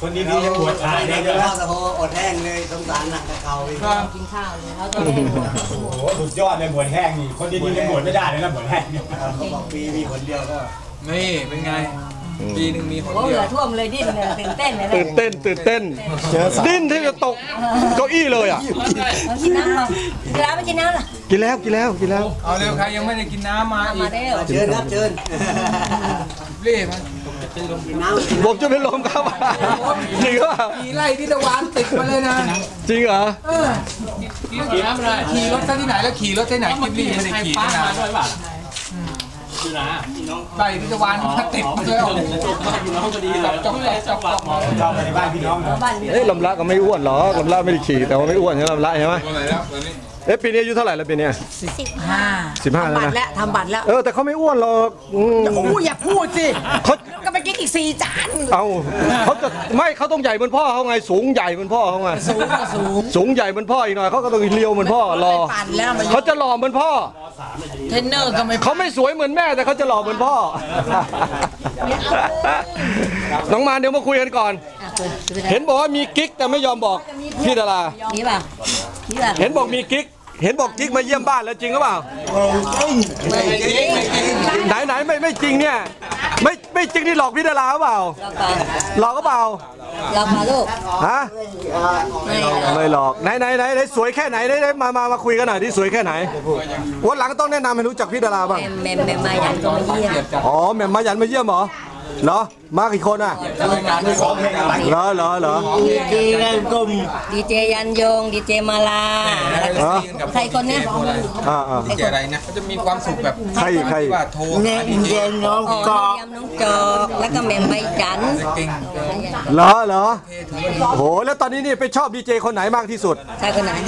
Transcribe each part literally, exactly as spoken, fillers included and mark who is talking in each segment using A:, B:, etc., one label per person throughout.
A: คนดีๆจะปวดขาเนี่ยเยอะแล้ว
B: โอ้โหอดแห้งเลยสงสารหนักกับเขาเลย
C: กินข้าวเลยเขาจะได้หมด
A: โอ้โหสุดยอดเลยหมวดแห้งนี่คนดีๆจะปวดไม่ได้เลยนะหมวดแห้งเนี่ย
B: เขาบอกปีมีคนเดียวก็
D: นี่เป็นไงปีหนึ่งมีคน
C: โอ้เห
D: เดียว
C: ลือท่วมเลยดิ้นเลยตื่นเต้นเลย
E: ตื่นเต้นตื่นเต้นดิ้นที่จะตกเก้าอี้เลยอ่ะ
C: กินน้ำหรอกินน้ำไม่กินน้ำหรอ
E: กินแล้วกินแล้วกินแล้ว
D: เอาเร็วใครยังไม่ได้กินน้ำมาอีก
B: เชิญครับเชิญ
D: เรียมัน
E: ผมจะเป็นลมครับจริงเหรอ
D: ขี่ไล่ที่ตะวันติดมาเลยนะ
E: จริงเหรอ
D: ขี่น้ำอะไรขี่รถที่ไหนแล้วขี่รถที่ไหนกินรีไม่ได้ขี่นะคือนะไล่ที่ตะวันติดมาเลยพี่น้องพอดีแบบจอกจอกจอกมา
A: ชอบไปในบ้านพี่น้อง
E: เอ๊ะลำละก็ไม่อ้วนหรอลำละไม่ได้ขี่แต่ว่าไม่อ้วนใช่ไหมลำละใช่ไหมเอ๊ะปีนี้อายุเท่าไหร่แล้วปีนี้
C: สิบห้า
E: สิบห้าแล้วนะ
C: ทำบัตรแล้ว
E: เออแต่เขาไม่อ้วนหรอก
C: อู้อย่าพูดสิ
E: เขา
C: ก็ไปกินอีกสี่จาน
E: เอาเขาจะไม่เขาต้องใหญ่เหมือนพ่อเขาไงสูงใหญ่เหมือนพ่อเขาไง
C: สูงสูง
E: สูงใหญ่เหมือนพ่ออีกหน่อยเขาก็ต้องเลี้ยวเหมือนพ่อรอเขาจะหล่อเหมือนพ่อ
C: เทรนเนอร์ก็ไม่
E: เขาไม่สวยเหมือนแม่แต่เขาจะหล่อเหมือนพ่อน้องมาเดี๋ยวมาคุยกันก่อนเห็นบอกว่ามีกิ๊กแต่ไม่ยอมบอกพี่ดารา
C: นี่ป่ะ
E: เห็นบอกมีกิ๊กเห็นบอกกิ๊กมาเยี่ยมบ้านแล้วจริงหรือเปล่าไหนไหนไม่ไม่จริงเนี่ยไม่ไม่จริงนี่หลอกพี่ดาราหรือเปล่าหลอกก็เปล่า
C: หลอกมาลูก
E: ฮะไม่หลอกไหนไหนไหนไหนสวยแค่ไหนได้มามามาคุยกันหน่อยที่สวยแค่ไหนวันหลังต้องแนะนำให้รู้จักพี่ดาราบ้าง
C: แม่แม่มายันก็มาเยี่ยม
E: อ๋อแม่มายันมาเยี่ยมเหรอเหรอมากี่คนอ่ะเหรอเหรอเหรอ
C: ดีเจกลมดีเจยันยงดีเจมาลาใครคนเนี้ย
E: อ่าอ่า
D: ดีเจอะไรนะเขาจะมีความสุขแบบ
E: ใครใคร
D: ว่าโทร
C: เนดีเจน้องจอกน้องจอกแล้วก็แม่ใบจัน
E: เหรอเหรอโหแล้วตอนนี้นี่ไปชอบดีเจคนไหนมากที่สุด
C: ใช่คนไหน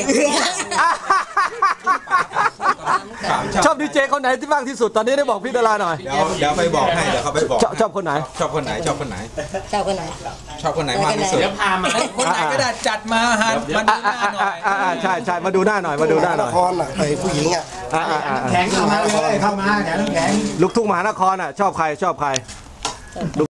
E: ชอบดีเจคนไหนที่มากที่สุดตอนนี้ได้บอกพี่ดาราหน่อย
D: เดี๋ยวเดี๋ยวไปบอกให้เดี๋ยวเขาไปบอก
E: ชอบคนไหน
D: ชอบคนไหนชอบคนไหน
C: ชอบคนไหน
D: ชอบคนไหนมากที่สุดเดี๋ยวพามาคนไหนก็ได้จัดมาฮะมาดูหน้าหน่อย
E: อ่าใช่ใช่มาดูหน้าหน่อยมาดูหน้าหน่อย
B: ละครอ่ะไอ้ผู้หญิงอ่ะ
A: แข็งเข้ามาเลยเข้ามาแข็งแข็ง
E: ลูกทุ่งมหานครอ่ะชอบใครชอบใคร